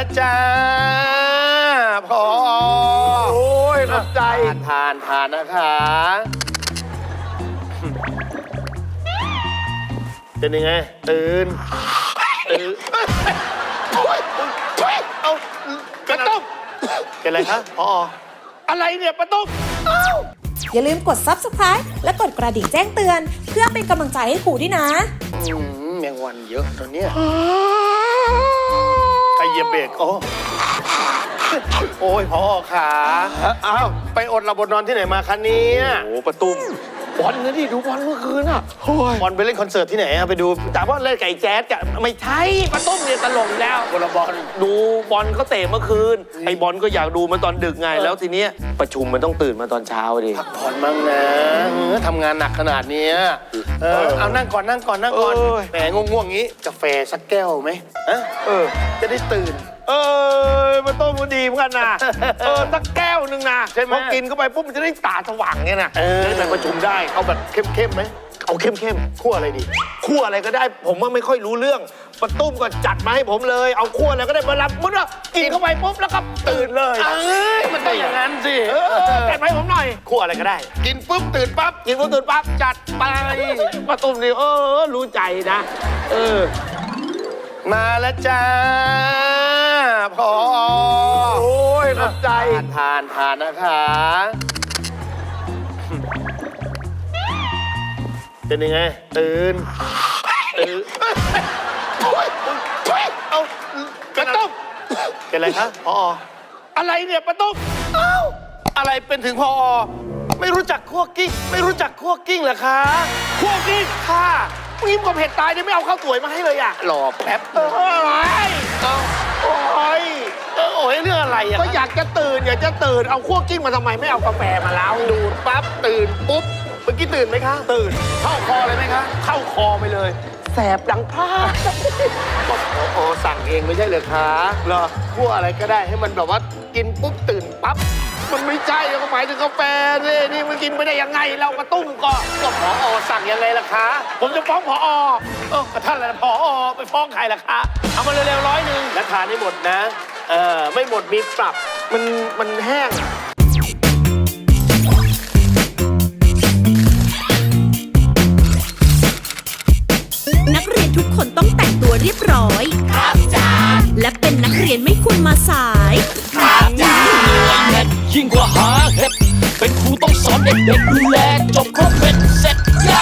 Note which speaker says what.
Speaker 1: แล้วจ้าพอ
Speaker 2: โอ้ยขอบใจ
Speaker 1: ทานนะคะเป็นยังไงตื่นเอาปะตุ้มเป็นอะไรครับพออะไรเนี่ยปะตุ้ม
Speaker 3: อย่าลืมกด Subscribe และกดกระดิ่งแจ้งเตือนเพื่อเป็นกำลังใจให้ครูด้วยนะ
Speaker 1: แมงวันเยอะตอนเนี้ยใครเหยียบเบรกโอ้ยพอขาอ้าวไปอดหลับบนนอนที่ไหนมาคะเนี่ย
Speaker 2: โอ้ประตุ้มบอลนะดิดูบอลเมื่อคืนอ่ะ
Speaker 1: บอลไปเล่นคอนเสิร์ตที่ไหนอะไปดูแต่ว่าเล่นไก่แจ๊สกะไม่ใช่ประตุ้มเนี่ยตลกแล้วบอล
Speaker 2: ดูบอลเขาเตะเมื่อคืนไอ้บอลก็อยากดูมาตอนดึกไงแล้วทีเนี้ยประชุมมันต้องตื่นมาตอนเช้าดิ
Speaker 1: พักผ่อนบ้างนะทำงานหนักขนาดนี้เอานั่งก่อนแหมง่วงงี้กาแฟสักแก้วไหมจะได้ตื่น
Speaker 2: มาต้มมันดีเหมือนกันนะสักแก้วนึงนะ
Speaker 1: ใช่ไหม
Speaker 2: พอกินเข้าไปปุ๊บมันจะได้ตาสว่างไงนะ
Speaker 1: ได้ไปประชุมได้เอาแบบเข้มไหม
Speaker 2: เอาเข้ม
Speaker 1: คั่วอะไรดี
Speaker 2: คั่วอะไรก็ได้ผมว่าไม่ค่อยรู้เรื่องปะตุ้มก็จัดมาให้ผมเลยเอาคั่วอะไรก็ได้มารับมุดว่ากินเข้าไปปุ๊บแล้วก็ตื่นเลย
Speaker 1: มันต้องอย่างนั้นสิ
Speaker 2: จัดมาให้ผมหน่อย
Speaker 1: คั่วอะไรก็ได้กินปุ๊บตื่นปั๊บ
Speaker 2: จัดไปปะตุ้มนี่รู้ใจนะ
Speaker 1: มาแล้วจ้าพอ
Speaker 2: โอ้ยขอบใจ
Speaker 1: ทานนะคะเป็นยังไงตื่นเอาปะตุ้มเป็นอะไรครับพออะไรเนี่ยปะตุ้มอะไรเป็นถึงพอไม่รู้จักคั่วกิ้งเหรอคะ
Speaker 2: คั่วกิ้ง
Speaker 1: ค่ะ
Speaker 2: ยิ้มกับเผ็ดตายเนี่ยไม่เอาข้าวสวยมาให้เลยอ่ะ
Speaker 1: หลอกแป๊บโอ้ยเรื่องอะไรอ่ะ
Speaker 2: ก็อยากจะตื่นเอาคั่วกิ้งมาทำไมไม่เอากาแฟมาแล้ว
Speaker 1: ดูดปั๊บตื่นปุ๊บเมื่อกี้ตื่นไหมคะ
Speaker 2: ตื่น
Speaker 1: เข้าคอเลยไหมคะ
Speaker 2: เข้าคอไปเลยแสบดังพลาด
Speaker 1: สั่งเองไม่ใช่เหรอคะ
Speaker 2: เหรอ
Speaker 1: คั่วอะไรก็ได้ให้มันแบบว่ากินปุ๊บตื่นปั๊บ
Speaker 2: มันไม่ใช่ก็หมายถึงกาแฟนี่มันกินไม่ได้ยังไงเรากระตุ้มก็
Speaker 1: ผอสั่งยังไงล่ะคะ
Speaker 2: ผมจะฟ้องผอ
Speaker 1: ท่านอะไรผอไปฟ้องใครล่ะคะ
Speaker 2: เอามาเร็วๆ100
Speaker 1: และทานให้หมดนะไม่หมดมีปรับ
Speaker 2: มันแห้ง
Speaker 3: นักเรียนทุกคนต้องแต่งตัวเรียบร้อยครับจ้าและเป็นนักเรียนไม่ควรมาสาย
Speaker 4: ครับจ้ายิ่งกว่าหาเห็ดเป็นครูต้องสอนเด็กๆดูแลจบครบเป็นเสร็จย่า